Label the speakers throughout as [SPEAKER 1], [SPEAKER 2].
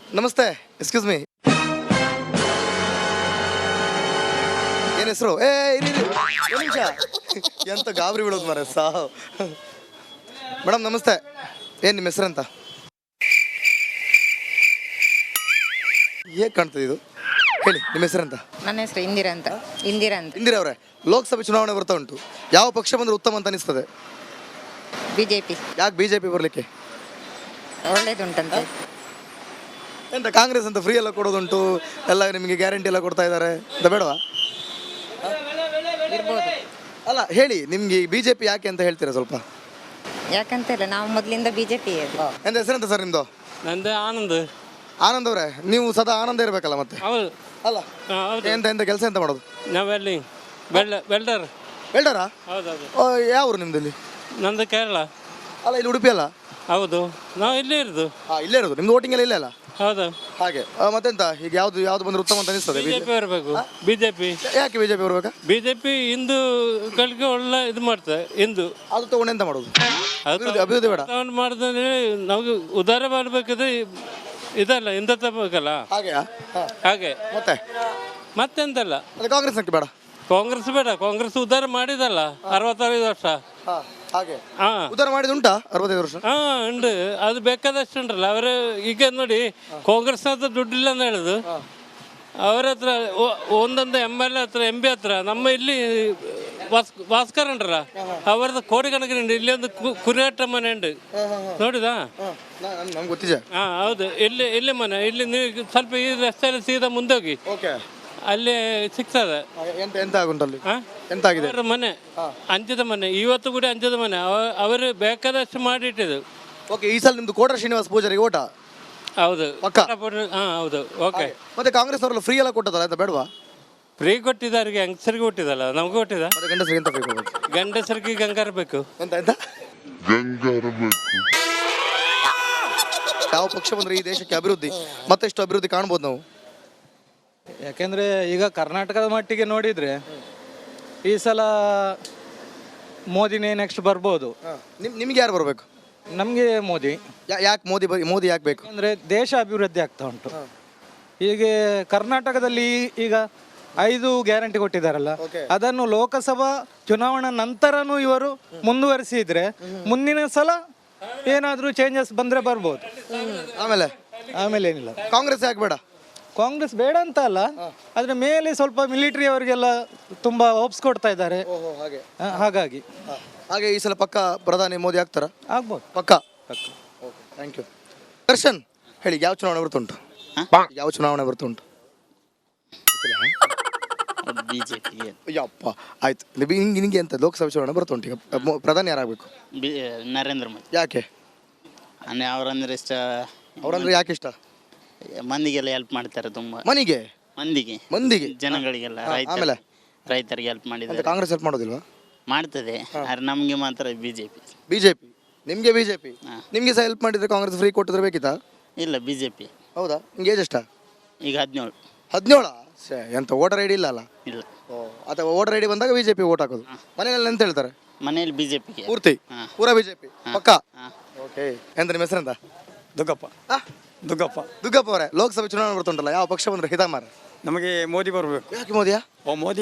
[SPEAKER 1] ನಮಸ್ತೆ, excuse me. ಏನು ಹೆಸರು? ಇರಿ ಒಂದು ನಿಮಿಷ, ಎಂತ ಗಾಬರಿ ಬಿಡೋದು ಮಾರ ಸಾವು. ಮೇಡಮ್ ನಮಸ್ತೆ, ಏನು ನಿಮ್ಮ ಹೆಸರಂತ? ಹೇಗೆ ಕಾಣ್ತದೆ ಇದು? ಹೇಳಿ ನಿಮ್ಮ ಹೆಸರಂತ?
[SPEAKER 2] ನನ್ನ ಹೆಸರು ಇಂದಿರಾ ಅಂತ.
[SPEAKER 1] ಇಂದಿರಾ ಅವರೇ, ಲೋಕಸಭೆ ಚುನಾವಣೆ ಬರ್ತಾ ಉಂಟು. ಯಾವ ಪಕ್ಷ ಬಂದ್ರೆ ಉತ್ತಮ ಅಂತ ಅನಿಸ್ತದೆ?
[SPEAKER 2] ಬಿಜೆಪಿ.
[SPEAKER 1] ಯಾಕೆ ಬಿಜೆಪಿ ಬರಲಿಕ್ಕೆ?
[SPEAKER 2] ಒಳ್ಳೇದುಂಟಂತೆ.
[SPEAKER 1] ಎಂತ ಕಾಂಗ್ರೆಸ್ ಅಂತ ಫ್ರೀ ಎಲ್ಲ ಕೊಡೋದುಂಟು, ಎಲ್ಲ ನಿಮಗೆ ಗ್ಯಾರಂಟಿ ಎಲ್ಲ ಕೊಡ್ತಾ ಇದ್ದಾರೆ ಅಂತ ಬೇಡವಾ?
[SPEAKER 2] ಇರ್ಬೋದು.
[SPEAKER 1] ಅಲ್ಲ ಹೇಳಿ, ನಿಮ್ಗೆ ಬಿಜೆಪಿ ಯಾಕೆ ಅಂತ ಹೇಳ್ತೀರಾ ಸ್ವಲ್ಪ?
[SPEAKER 2] ಯಾಕಂತ ಇಲ್ಲ, ನಾವು ಮೊದಲಿಂದ ಬಿಜೆಪಿ.
[SPEAKER 1] ಎಂತ ಹೆಸರೆಂತ ಸರ್ ನಿಮ್ದು?
[SPEAKER 3] ನಂದು ಆನಂದ್.
[SPEAKER 1] ಆನಂದ್ ಅವರೇ, ನೀವು ಸದಾ ಆನಂದ ಇರಬೇಕಲ್ಲ ಮತ್ತೆ.
[SPEAKER 3] ಹೌದು.
[SPEAKER 1] ಅಲ್ಲ ಎಂತ ಎಂತ ಕೆಲಸ ಎಂತ ಮಾಡೋದು?
[SPEAKER 3] ನಾವೆಲ್ಲಿ ವೆಲ್ಡರ್.
[SPEAKER 1] ವೆಲ್ಡರಾ?
[SPEAKER 3] ಹೌದೌದು.
[SPEAKER 1] ಯಾವ ಊರು ನಿಮ್ದಲ್ಲಿ?
[SPEAKER 3] ನಂದು ಕೇರಳ.
[SPEAKER 1] ಅಲ್ಲ ಇಲ್ಲಿ ಉಡುಪಿ ಅಲ್ಲ?
[SPEAKER 3] ಹೌದು, ನಾವು ಇಲ್ಲೇ ಇರೋದು.
[SPEAKER 1] ಇಲ್ಲೇ ಇರೋದು. ನಿಮ್ದು ವೋಟಿಂಗ್ ಎಲ್ಲ ಇಲ್ಲೇ ಅಲ್ಲ?
[SPEAKER 3] ಹೌದು.
[SPEAKER 1] ಹಾಗೆ ಮತ್ತೆಂತ ಈಗ ಯಾವ್ದು ಬಂದ್ರೆ ಉತ್ತಮ ಅಂತ ಅನಿಸ್ತದೆ?
[SPEAKER 3] ಬಿಜೆಪಿ ಬರಬೇಕು. ಬಿಜೆಪಿ.
[SPEAKER 1] ಯಾಕೆ ಬಿಜೆಪಿ ಬರ್ಬೇಕಾ?
[SPEAKER 3] ಬಿಜೆಪಿ ಹಿಂದೂಗಳಿಗೆ ಒಳ್ಳೆ ಇದು ಮಾಡ್ತಾರೆ. ಹಿಂದೂ
[SPEAKER 1] ಅದು ತಗೊಂಡು ಎಂತ ಮಾಡೋದು? ಅಭಿವೃದ್ಧಿ ಬೇಡ
[SPEAKER 3] ಮಾಡಿದ್ರೆ ನಮಗೆ ಉದ್ಧಾರ ಮಾಡಬೇಕಿದ್ರೆ ಇದಲ್ಲ, ಹಿಂದುತ್ವ ಬೇಕಲ್ಲ. ಹಾಗೆ ಮತ್ತೆಂತಲ್ಲ.
[SPEAKER 1] ಕಾಂಗ್ರೆಸ್ ಬೇಡ?
[SPEAKER 3] ಕಾಂಗ್ರೆಸ್ ಬೇಡ. ಕಾಂಗ್ರೆಸ್ ಉದ್ಧಾರ ಮಾಡಿದಲ್ಲ 65 ವರ್ಷ.
[SPEAKER 1] ಉದ್ಧಾರ ಮಾಡಿದ ಉಂಟಾ 65 ವರ್ಷ?
[SPEAKER 3] ಉಂಟು. ಅದು ಬೇಕಾದಷ್ಟು ಉಂಟಲ್ಲ. ಅವರು ಈಗ ನೋಡಿ, ಕಾಂಗ್ರೆಸ್ ಹತ್ರ ದುಡ್ಡಿಲ್ಲ ಅಂತ ಹೇಳುದು. ಅವರ ಹತ್ರ ಒಂದೊಂದು MLA ಹತ್ರ MB ಹತ್ರ, ನಮ್ಮ ಇಲ್ಲಿ ಭಾಸ್ಕರ್ ಉಂಟ್ರಲ್ಲ, ಅವರದ್ದು ಕೋಟಿ ಕಣಕಿನ ಉಂಟು. ಇಲ್ಲಿ ಒಂದು ಕುರಿಯಾಟ ಮನೆ ಉಂಟು, ನೋಡಿದಾ? ಹೌದು. ಇಲ್ಲಿ ಮನೆ, ಇಲ್ಲಿ ನೀವು ಸ್ವಲ್ಪ ಈ ರಸ್ತೆಯಲ್ಲಿ ಸೀದಾ ಮುಂದೆ ಹೋಗಿ, ಅಲ್ಲಿ ಸಿಗ್ತದೆ. ಅವರ ಮನೆ ಅಂಚದ ಮನೆ, ಇವತ್ತು ಕೂಡ ಅಂಚದ ಮನೆ. ಅವರು ಬೇಕಾದಷ್ಟು ಮಾಡಿಟ್ಟಿದ್ದು.
[SPEAKER 1] ಈ ಸಲ ನಿಮ್ದು ಕೋಟ ಶ್ರೀನಿವಾಸ ಪೂಜಾರಿಗೆ ಓಟ?
[SPEAKER 3] ಹೌದು. ಹೌದು. ಓಕೆ.
[SPEAKER 1] ಮತ್ತೆ ಕಾಂಗ್ರೆಸ್ ಅವರೆಲ್ಲ ಫ್ರೀ ಎಲ್ಲ ಕೊಟ್ಟದಲ್ಲ, ಅಂತ ಬೇಡವಾ?
[SPEAKER 3] ಫ್ರೀ ಕೊಟ್ಟಿದ್ದಾರೆ, ಹೆಂಗಸರಿಗೆ ಕೊಟ್ಟಿದ್ದಲ್ಲ, ನಮ್ಗೆ ಕೊಟ್ಟಿದ. ಗಂಡಸರಿಗೆ ಗಂಗಾರ ಬೇಕು.
[SPEAKER 1] ಯಾವ ಪಕ್ಷ ಬಂದ್ರೆ ಈ ದೇಶಕ್ಕೆ ಅಭಿವೃದ್ಧಿ, ಮತ್ತೆಷ್ಟು ಅಭಿವೃದ್ಧಿ ಕಾಣ್ಬೋದು ನಾವು?
[SPEAKER 4] ಯಾಕೆಂದರೆ ಈಗ ಕರ್ನಾಟಕದ ಮಟ್ಟಿಗೆ ನೋಡಿದರೆ ಈ ಸಲ ಮೋದಿನೇ ನೆಕ್ಸ್ಟ್ ಬರ್ಬೋದು.
[SPEAKER 1] ನಿಮ್ಗೆ ಯಾರು ಬರಬೇಕು?
[SPEAKER 4] ನಮಗೆ ಮೋದಿ.
[SPEAKER 1] ಯಾಕೆ ಮೋದಿ ಯಾಕೆ ಬೇಕು?
[SPEAKER 4] ಅಂದರೆ ದೇಶ ಅಭಿವೃದ್ಧಿ ಆಗ್ತಾ ಉಂಟು. ಹೀಗೆ ಕರ್ನಾಟಕದಲ್ಲಿ ಈಗ 5 ಗ್ಯಾರಂಟಿ ಕೊಟ್ಟಿದ್ದಾರಲ್ಲ, ಅದನ್ನು ಲೋಕಸಭಾ ಚುನಾವಣಾ ನಂತರನೂ ಇವರು ಮುಂದುವರಿಸಿದ್ರೆ ಮುಂದಿನ ಸಲ ಏನಾದರೂ ಚೇಂಜಸ್ ಬಂದರೆ ಬರ್ಬೋದು. ಆಮೇಲೆ ಏನಿಲ್ಲ.
[SPEAKER 1] ಕಾಂಗ್ರೆಸ್ ಯಾಕೆ ಬೇಡ?
[SPEAKER 4] ಕಾಂಗ್ರೆಸ್ ಬೇಡ ಅಂತ ಅಲ್ಲ, ಅದ್ರ ಮೇಲೆ ಸ್ವಲ್ಪ ಮಿಲಿಟರಿ ಅವರಿಗೆಲ್ಲ ತುಂಬಾ ಹೋಪ್ಸ್ ಕೊಡ್ತಾ ಇದ್ದಾರೆ. ಹಾಗಾಗಿ
[SPEAKER 1] ಈ ಸಲ ಪಕ್ಕ ಪ್ರಧಾನಿ ಮೋದಿ ಆಗ್ತಾರ?
[SPEAKER 4] ಆಗ್ಬೋದು.
[SPEAKER 1] ಪಕ್ಕ. Thank you. ದರ್ಶನ್ ಹೇಳಿ, ಯಾವ ಚುನಾವಣೆ ಬರ್ತುಂಟು? ಯಾವ ಚುನಾವಣೆ ಬರ್ತುಂಟು?
[SPEAKER 5] ಬಿಜೆಪಿ.
[SPEAKER 1] ಯಪ್ಪ, ಆಯ್ತು. ನಿಂಗೆ ಎಂತ ಲೋಕಸಭೆ ಚುನಾವಣೆ ಬರ್ತುಂಟು, ಈಗ ಪ್ರಧಾನಿ ಯಾರಾಗಬೇಕು?
[SPEAKER 5] ನರೇಂದ್ರ ಮೋದಿ.
[SPEAKER 1] ಯಾಕೆ?
[SPEAKER 5] ಅವರಂದ್ರೆ ಇಷ್ಟ.
[SPEAKER 1] ಅವರಂದ್ರೆ ಯಾಕೆ ಇಷ್ಟ?
[SPEAKER 5] ಮಂದಿಗೆಲ್ಲ ಹೆಲ್ಪ್ ಮಾಡ್ತಾರೆ ತುಂಬಾ.
[SPEAKER 1] ಮಂದಿಗೆ
[SPEAKER 5] ಜನಗಳಿಗೆಲ್ಲ, ರೈತರಿಗೆ ಹೆಲ್ಪ್ ಮಾಡಿದ್ದಾರೆ.
[SPEAKER 1] ಕಾಂಗ್ರೆಸ್ ಹೆಲ್ಪ್ ಮಾಡೋದಿಲ್ವಾ?
[SPEAKER 5] ಮಾಡ್ತದೆ, ಆದ್ರೆ ನಮ್ಗೆ ಮಾತ್ರ ಬಿಜೆಪಿ.
[SPEAKER 1] ನಿಮ್ಗೆ ಬಿಜೆಪಿ. ನಿಮ್ಗೆ ಸಹ ಹೆಲ್ಪ್ ಮಾಡಿದ್ರೆ ಕಾಂಗ್ರೆಸ್ ಫ್ರೀ ಕೊಟ್ಟಿದ್ರೆ ಬೇಕಿತ್ತಾ?
[SPEAKER 5] ಇಲ್ಲ, ಬಿಜೆಪಿ.
[SPEAKER 1] ಹೌದಾ? ನಿಮ್ಗೆ ಏಜ್ ಎಷ್ಟ?
[SPEAKER 5] ಈಗ 17.
[SPEAKER 1] 17? ಎಂತ ವೋಟರ್ ಐಡಿ ಇಲ್ಲ ಅಲ್ಲ?
[SPEAKER 5] ಇಲ್ಲ.
[SPEAKER 1] ಅಥವಾ ವೋಟರ್ ಐಡಿ ಬಂದಾಗ ಬಿಜೆಪಿ ವೋಟ್ ಹಾಕೋದು. ಮನೆಯಲ್ಲಿ ಎಂತ ಹೇಳ್ತಾರೆ?
[SPEAKER 5] ಮನೆಯಲ್ಲಿ ಬಿಜೆಪಿ
[SPEAKER 1] ಪೂರಾ ಬಿಜೆಪಿ ಪಕ್ಕ. ಓಕೆ. ಎಂತ ನಿಮ್ಮ ಹೆಸರೆಂತ? ದುಗ್ಗಪ್ಪ ಅವರೇ, ಲೋಕಸಭೆ ಚುನಾವಣೆ ಬರ್ತುಂಟಲ್ಲ, ಯಾವ ಪಕ್ಷ ಬಂದ್ರೆ ಹಿತ ಮಾರ?
[SPEAKER 6] ನಮಗೆ ಮೋದಿ ಬರಬೇಕು.
[SPEAKER 1] ಯಾಕೆ ಮೋದಿಯಾ?
[SPEAKER 6] ಮೋದಿ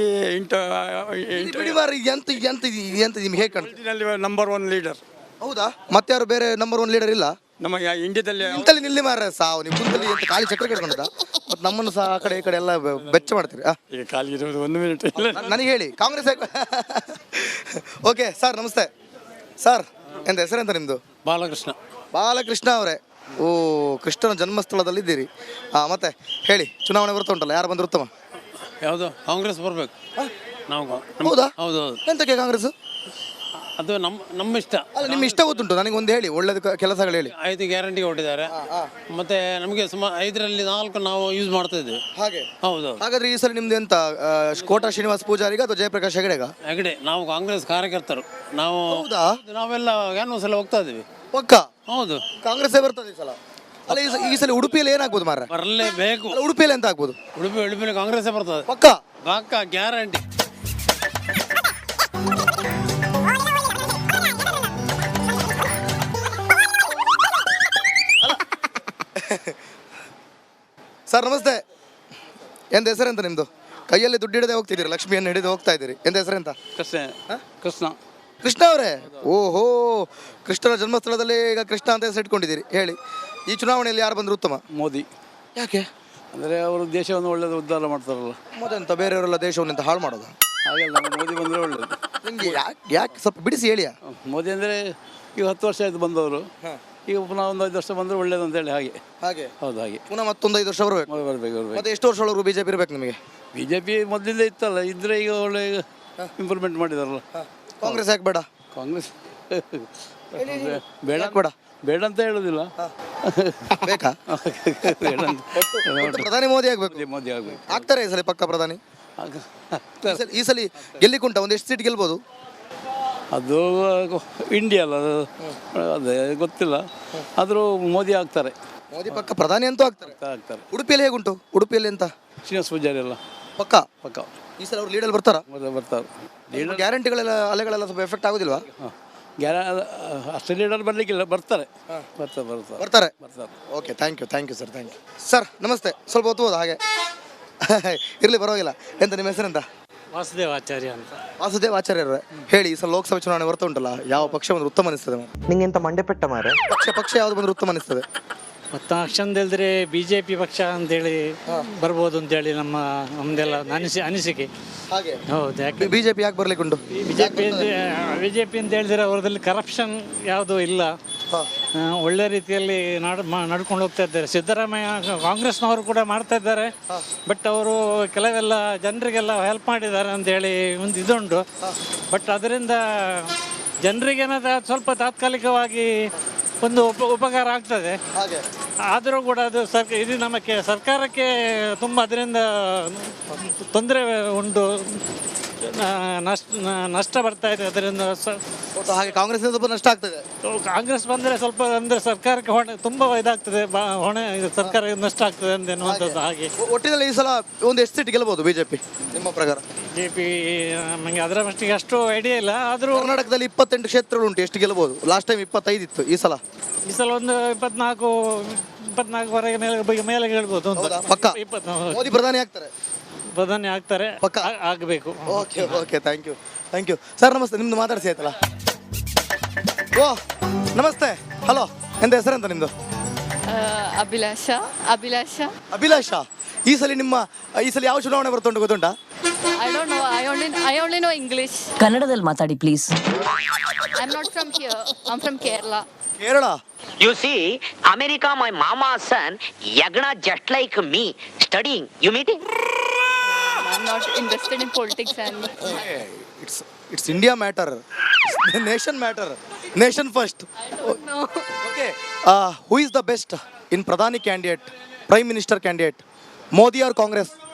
[SPEAKER 1] ಎಂತ ನಿಮ್ಗೆ ಹೇಗೆ ಕಾಣ್ತದೆ?
[SPEAKER 6] Number 1 leader.
[SPEAKER 1] ಹೌದಾ? ಮತ್ತೆ ಯಾರು ಬೇರೆ ನಂಬರ್ 1 ಲೀಡರ್ ಇಲ್ಲ
[SPEAKER 6] ನಮಗೆ ಇಂಡಿಯಾದಲ್ಲಿ?
[SPEAKER 1] ಇಂತಲ್ಲಿ ನಿಲ್ಲಿ ಮಾರ ಸಾವು. ನೀವು ಕುಂತಲ್ಲಿ ಎಂತ ಖಾಲಿ ಚಕ್ರ ಕಟ್ಕೊಂಡ ಮತ್ತೆ ನಮ್ಮನ್ನು ಸಹ ಆ ಕಡೆ ಈ ಕಡೆ ಎಲ್ಲ ಬೆಚ್ಚ ಮಾಡ್ತೀರಿ.
[SPEAKER 6] ಈಗ ಖಾಲಿ ಇರೋದು 1 ಮಿನಿಟ್.
[SPEAKER 1] ನನಗೆ ಹೇಳಿ, ಕಾಂಗ್ರೆಸ್ ಓಕೆ ಸರ್, ನಮಸ್ತೆ ಸರ್. ಎಂತ ಹೆಸರೆಂತ ನಿಮ್ದು? ಬಾಲಕೃಷ್ಣ ಅವರೇ. ಕೃಷ್ಣನ ಜನ್ಮಸ್ಥಳದಲ್ಲಿ ಇದ್ದೀರಿ. ಮತ್ತೆ ಹೇಳಿ, ಚುನಾವಣೆ ಬರ್ತಾ ಉಂಟಲ್ಲ, ಯಾರು ಬಂದ್ರೆ ಉತ್ತಮ?
[SPEAKER 3] ಯಾವುದು? ಕಾಂಗ್ರೆಸ್ ಬರಬೇಕು.
[SPEAKER 1] ಹೌದಾ?
[SPEAKER 3] ಹೌದು.
[SPEAKER 1] ಎಂತಕ್ಕೆ ಕಾಂಗ್ರೆಸ್?
[SPEAKER 3] ಅದು ನಮ್ಮ ಇಷ್ಟ.
[SPEAKER 1] ಅಲ್ಲ, ನಿಮ್ಮ ಇಷ್ಟ ಗೊತ್ತುಂಟು, ನನಗೆ ಒಂದು ಹೇಳಿ, ಒಳ್ಳೇದು ಕೆಲಸಗಳು ಹೇಳಿ.
[SPEAKER 3] 5 ಗ್ಯಾರಂಟಿ ಕೊಟ್ಟಿದ್ದಾರೆ. ಮತ್ತೆ ನಮಗೆ ಸುಮಾರು 5ರಲ್ಲಿ 4 ನಾವು ಯೂಸ್ ಮಾಡ್ತಾ ಇದ್ದೇವೆ.
[SPEAKER 1] ಹಾಗೆ?
[SPEAKER 3] ಹೌದು.
[SPEAKER 1] ಹಾಗಾದ್ರೆ ಈ ಸಲ ನಿಮ್ದು ಎಂತ ಕೋಟ ಶ್ರೀನಿವಾಸ ಪೂಜಾರಿಗ ಅಥವಾ ಜಯಪ್ರಕಾಶ್ ಹೆಗಡೆ?
[SPEAKER 3] ನಾವು ಕಾಂಗ್ರೆಸ್ ಕಾರ್ಯಕರ್ತರು. ನಾವೆಲ್ಲ ಕ್ಯಾನ್ವಾಸ್ ಎಲ್ಲ ಹೋಗ್ತಾ ಇದ್ದೀವಿ.
[SPEAKER 1] ಪಕ್ಕ?
[SPEAKER 3] ಹೌದು.
[SPEAKER 1] ಕಾಂಗ್ರೆಸ್ ಬರ್ತದೆ ಈ ಸಲ. ಅಲ್ಲ, ಈ ಸಲ ಉಡುಪಿಯಲ್ಲಿ ಏನಾಗ್ಬೋದು ಮಾರ?
[SPEAKER 3] ಬರಲೇಬೇಕು.
[SPEAKER 1] ಉಡುಪಿಯಲ್ಲಿ ಎಂತ ಆಗ್ಬೋದು?
[SPEAKER 3] ಉಡುಪಿಯಲ್ಲಿ ಕಾಂಗ್ರೆಸ್ ಬರ್ತದೆ ಪಕ್ಕ ಗ್ಯಾರಂಟಿ.
[SPEAKER 1] ಸರ್ ನಮಸ್ತೆ. ಎಂತ ಹೆಸರೆಂತ ನಿಮ್ಮದು? ಕೈಯಲ್ಲಿ ದುಡ್ಡು ಹಿಡಿದೇ ಹೋಗ್ತಿದ್ದೀರಿ, ಲಕ್ಷ್ಮಿಯನ್ನು ಹಿಡಿದು ಹೋಗ್ತಾ ಇದ್ದೀರಿ. ಎಂತ ಹೆಸರೆಂತ?
[SPEAKER 6] ಕೃಷ್ಣ.
[SPEAKER 1] ಕೃಷ್ಣ ಅವರೇ, ಓಹೋ, ಕೃಷ್ಣನ ಜನ್ಮಸ್ಥಳದಲ್ಲಿ ಈಗ ಕೃಷ್ಣ ಅಂತ ಹೆಸರು ಇಟ್ಕೊಂಡಿದ್ದೀರಿ. ಹೇಳಿ, ಈ ಚುನಾವಣೆಯಲ್ಲಿ ಯಾರು ಬಂದರು ಉತ್ತಮ?
[SPEAKER 6] ಮೋದಿ.
[SPEAKER 1] ಯಾಕೆ?
[SPEAKER 6] ಅಂದರೆ ಅವರು ದೇಶವನ್ನು ಒಳ್ಳೆದು ಉದ್ಧಾರ ಮಾಡ್ತಾರಲ್ಲ,
[SPEAKER 1] ಮೊದಲೆಂತ ಬೇರೆಯವರೆಲ್ಲ ದೇಶವನ್ನಿಂತ ಹಾಳು ಮಾಡೋದು?
[SPEAKER 6] ಹಾಗೆಲ್ಲ ಮೋದಿ ಬಂದರೆ ಒಳ್ಳೆಯದು.
[SPEAKER 1] ನಿಮಗೆ ಯಾಕೆ ಸ್ವಲ್ಪ ಬಿಡಿಸಿ ಹೇಳಿಯಾ?
[SPEAKER 6] ಮೋದಿ ಅಂದರೆ ಈಗ 10 ವರ್ಷ ಆಯಿತು ಬಂದವರು, ಈಗ ಪುನಃ ಒಂದು 5 ವರ್ಷ ಬಂದರೆ ಒಳ್ಳೇದು ಅಂತೇಳಿ ಹಾಗೆ.
[SPEAKER 1] ಹಾಗೆ
[SPEAKER 6] ಹೌದು, ಹಾಗೆ
[SPEAKER 1] ಪುನಃ ಮತ್ತೊಂದು 5 ವರ್ಷ ಬರಬೇಕು.
[SPEAKER 6] ಬರಬೇಕು.
[SPEAKER 1] ಮತ್ತೆ ಎಷ್ಟು ವರ್ಷ ಒಳಗೂ ಬಿಜೆಪಿ ಇರಬೇಕು ನಿಮಗೆ?
[SPEAKER 6] ಬಿ ಜೆ ಪಿ ಮೊದಲಿಂದ ಇತ್ತಲ್ಲ, ಇದ್ರೆ ಈಗ ಒಳ್ಳೆ ಇಂಪ್ರೂವ್ಮೆಂಟ್ ಮಾಡಿದಾರಲ್ಲ.
[SPEAKER 1] ಕಾಂಗ್ರೆಸ್ ಯಾಕೆ ಬೇಡ?
[SPEAKER 6] ಕಾಂಗ್ರೆಸ್ ಬೇಡ,
[SPEAKER 1] ಬೇಡ
[SPEAKER 6] ಬೇಡ ಅಂತ ಹೇಳೋದಿಲ್ಲ.
[SPEAKER 1] ಬೇಕಾ?
[SPEAKER 6] ಬೇಡ ಅಂತ
[SPEAKER 1] ಮತ್ತೆ ಪ್ರಧಾನಿ ಮೋದಿ ಆಗ್ಬೇಕು.
[SPEAKER 6] ಮೋದಿ ಆಗಬೇಕು.
[SPEAKER 1] ಆಗ್ತಾರೆ ಈ ಸಲ ಪಕ್ಕ ಪ್ರಧಾನಿ? ಈ ಸಲ ಗೆಲ್ಲಿಕುಂಟ ಒಂದು ಎಷ್ಟು ಸೀಟ್ ಗೆಲ್ಬೋದು?
[SPEAKER 6] ಅದು ಇಂಡಿಯಾ ಅಲ್ಲ, ಅದೇ ಗೊತ್ತಿಲ್ಲ. ಆದರೂ ಮೋದಿ ಆಗ್ತಾರೆ.
[SPEAKER 1] ಮೋದಿ ಪಕ್ಕ ಪ್ರಧಾನಿ ಅಂತೂ ಆಗ್ತಾರೆ.
[SPEAKER 6] ಆಗ್ತಾರೆ.
[SPEAKER 1] ಉಡುಪಿಯಲ್ಲಿ ಹೇಗುಂಟು? ಉಡುಪಿಯಲ್ಲಿ ಎಂತ
[SPEAKER 6] ಶ್ರೀನಿವಾಸ ಪೂಜಾರಿ ಎಲ್ಲ
[SPEAKER 1] ಪಕ್ಕ
[SPEAKER 6] ಪಕ್ಕ
[SPEAKER 1] ಈ ಸಲ ಅವ್ರು ಲೀಡಲ್ಲಿ ಬರ್ತಾರಾ?
[SPEAKER 6] ಬರ್ತಾರೆ.
[SPEAKER 1] ಗ್ಯಾರಂಟಿಗಳೆಲ್ಲ ಅಲೆಗಳೆಲ್ಲ ಸ್ವಲ್ಪ ಎಫೆಕ್ಟ್ ಆಗೋದಿಲ್ವಾ?
[SPEAKER 6] ಅಷ್ಟು ಲೀಡರ್ ಬರಲಿಕ್ಕಿಲ್ಲ, ಬರ್ತಾರೆ ಬರ್ತಾರೆ ಬರ್ತಾರೆ
[SPEAKER 1] ಬರ್ತಾರೆ.
[SPEAKER 6] ಬರ್ತಾರೆ.
[SPEAKER 1] Okay, thank you sir, thank you sir. ನಮಸ್ತೆ. ಸ್ವಲ್ಪ ಹೊತ್ತು ಹಾಗೆ ಇರಲಿ, ಪರವಾಗಿಲ್ಲ. ಎಂತ ನಿಮ್ಮ ಹೆಸರೆಂತ?
[SPEAKER 3] ವಾಸುದೇವ್ ಆಚಾರ್ಯ ಅಂತ.
[SPEAKER 1] ವಾಸುದೇವ್ ಆಚಾರ್ಯರೇ, ಹೇಳಿ, ಈ ಸಲ ಲೋಕಸಭೆ ಚುನಾವಣೆ ಬರ್ತಾ ಉಂಟಲ್ಲ, ಯಾವ ಪಕ್ಷ ಬಂದ್ರೆ ಉತ್ತಮ ಅನಿಸ್ತದೆ?
[SPEAKER 7] ನಿಂಗೆಂತ ಮಂಡೆಪೆಟ್ಟ ಮಾರೆ?
[SPEAKER 1] ಪಕ್ಷ ಯಾವ್ದು ಬಂದ್ರೆ ಉತ್ತಮ ಅನಿಸ್ತದೆ?
[SPEAKER 3] ಮತ್ತು ಅಕ್ಷಂದ ಹೇಳಿದ್ರೆ BJP ಪಕ್ಷ ಅಂತೇಳಿ ಬರ್ಬೋದು ಅಂತೇಳಿ ನಮ್ಮದೆಲ್ಲ ಅನಿಸಿಕೆ.
[SPEAKER 1] ಹಾಗೆ
[SPEAKER 3] ಹೌದು. ಯಾಕೆ
[SPEAKER 1] ಬಿಜೆಪಿ ಯಾಕೆ ಬರ್ಲಿಕ್ಕೆ ಉಂಟು?
[SPEAKER 3] BJP ಅಂತ ಹೇಳಿದ್ರೆ ಅವರದಲ್ಲಿ ಕರಪ್ಷನ್ ಯಾವುದೂ ಇಲ್ಲ, ಒಳ್ಳೆ ರೀತಿಯಲ್ಲಿ ನಡ್ಕೊಂಡು ಹೋಗ್ತಾ ಇದ್ದಾರೆ. ಸಿದ್ದರಾಮಯ್ಯ ಕಾಂಗ್ರೆಸ್ನವರು ಕೂಡ ಮಾಡ್ತಾ ಇದ್ದಾರೆ, ಬಟ್ ಅವರು ಕೆಲವೆಲ್ಲ ಜನರಿಗೆಲ್ಲ ಹೆಲ್ಪ್ ಮಾಡಿದ್ದಾರೆ ಅಂತೇಳಿ ಒಂದು ಇದುಂಟು. ಬಟ್ ಅದರಿಂದ ಜನರಿಗೇನಾದ ಸ್ವಲ್ಪ ತಾತ್ಕಾಲಿಕವಾಗಿ ಒಂದು ಉಪಕಾರ ಆಗ್ತದೆ.
[SPEAKER 1] ಹಾಗೆ
[SPEAKER 3] ಆದರೂ ಕೂಡ ಅದು ಇದು ನಮಗೆ ಸರ್ಕಾರಕ್ಕೆ ತುಂಬ ಅದರಿಂದ ತೊಂದರೆ ಉಂಟು, ನಷ್ಟ ಬರ್ತಾ ಇದೆ ಅದರಿಂದ.
[SPEAKER 1] ಹಾಗೆ ಕಾಂಗ್ರೆಸ್ ಸ್ವಲ್ಪ ನಷ್ಟ ಆಗ್ತದೆ.
[SPEAKER 3] ಕಾಂಗ್ರೆಸ್ ಬಂದರೆ ಸ್ವಲ್ಪ ಅಂದರೆ ಸರ್ಕಾರಕ್ಕೆ ಹೊಣೆ ತುಂಬ ಇದಾಗ್ತದೆ, ಹೊಣೆ ಸರ್ಕಾರಕ್ಕೆ ನಷ್ಟ ಆಗ್ತದೆ ಅಂತ ಎನ್ನುವಂಥದ್ದು. ಹಾಗೆ
[SPEAKER 1] ಒಟ್ಟಿನಲ್ಲಿ ಈ ಸಲ ಒಂದು ಎಷ್ಟು ಸೀಟ್ ಗೆಲ್ಬಹುದು ಬಿಜೆಪಿ ನಿಮ್ಮ ಪ್ರಕಾರ?
[SPEAKER 3] BJP ನಮಗೆ ಅದರ ಮಟ್ಟಿಗೆ ಅಷ್ಟು ಐಡಿಯಾ ಇಲ್ಲ. ಆದರೂ
[SPEAKER 1] ಕರ್ನಾಟಕದಲ್ಲಿ 28 ಕ್ಷೇತ್ರಗಳು ಉಂಟು, ಎಷ್ಟು ಗೆಲ್ಬಹುದು? ಲಾಸ್ಟ್ ಟೈಮ್ 25 ಇತ್ತು, ಈ ಸಲ
[SPEAKER 3] ಒಂದು 24ವರೆಗೆ ಮೇಲೆ ಹೇಳ್ಬೋದು ಅಂತ.
[SPEAKER 1] ಪಕ್ಕ ಮೋದಿ ಪ್ರಧಾನಿ ಆಗ್ತಾರೆ?
[SPEAKER 3] ಪ್ರಧಾನಿ ಆಗ್ತಾರೆ,
[SPEAKER 1] ಪಕ್ಕ
[SPEAKER 3] ಆಗಬೇಕು.
[SPEAKER 1] Okay, thank you sir. ನಮಸ್ತೆ. ನಿಮ್ದು ಮಾತಾಡಿಸಿ ಆಯ್ತಲ್ಲ? ಓ ನಮಸ್ತೆ, ಹಲೋ. ಎಂತ ಹೆಸರೆಂತ ನಿಮ್ಮದು? ಅಭಿಲಾಷ. ಈ ಸಲ ಯಾವ ಚುನಾವಣೆ ಬರ್ತುಂಟು ಗೊತ್ತುಂಟಾ?
[SPEAKER 8] I only know English.
[SPEAKER 9] ಕನ್ನಡದಲ್ಲಿ ಮಾತಾಡಿ please.
[SPEAKER 8] I'm not from here. I'm from Kerala.
[SPEAKER 1] Kerala.
[SPEAKER 10] You see, America, my mama's son, Yagna just like me, studying. You meeting?
[SPEAKER 8] I'm not interested in politics and.
[SPEAKER 1] It's India matter. Nation matter. Nation first.
[SPEAKER 8] No.
[SPEAKER 1] Okay. Who is the best in Pradhani candidate, Prime Minister candidate? Modi or Congress?